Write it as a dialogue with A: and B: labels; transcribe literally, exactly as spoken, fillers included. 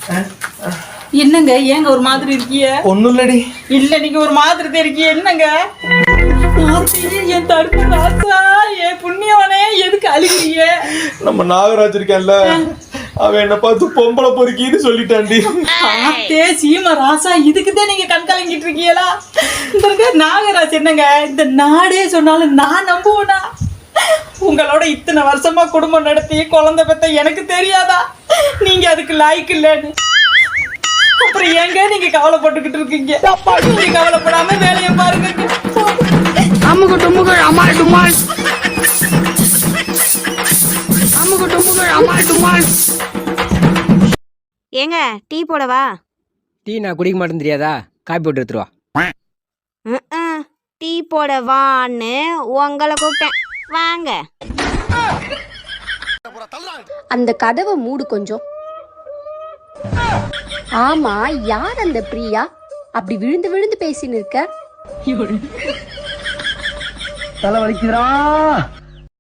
A: என்னங்க ஏங்க ஒரு மாதிரி இருக்கிய?
B: ஒண்ணும் இல்லடி.
A: இல்ல நீங்க ஒரு மாதிரி தெரிக்கிய என்னங்க? என் தடுப்பு ராசா, என் புண்ணியவனே எதுக்கு அழுகிறீங்க?
B: நம்ம நாகராஜ் இருக்கேன்ல, அவன் என்ன பார்த்து பொம்பளை பொறுக்கின்னு சொல்லிட்டாண்டி.
A: ஆத்தே சீமா ராசா, இதுக்குதான் நீங்க கண் கலங்கிட்டு இருக்கீங்களா? இந்த நாகராஜ் என்னங்க இந்த நாடே சொன்னாலும் நான் நம்புவேனா? உங்களோட இத்தனை வருஷமா குடும்பம் நடத்தி குழந்தை பெத்த எனக்கு தெரியாதா நீங்க அதுக்கு லாய்க்கு இல்லன்னு? அப்புறம் ஏங்க நீங்க கவலைப்பட்டுக்கிட்டு இருக்கீங்க? நீங்க கவலைப்படாம வேலையை பாருங்க.
C: அமுகு டுமுகள் அமால் டுமால், அமுகு டுமுகள் அமால் டுமால்.
D: ஏங்க டீ போடவா?
E: டீ நான் குடிக்க மாட்டேன்னு தெரியாதா? காப்பி போட்டு எடுத்துருவா.
D: டீ போடவான்னு உங்களை கூப்பிட்டேன், வாங்க.
F: அந்த கதவை மூடு கொஞ்சம். ஆமா, யார் அந்த பிரியா? அப்படி விழுந்து விழுந்து பேசின்னு இருக்க?
G: தலை வலிக்குதுடா.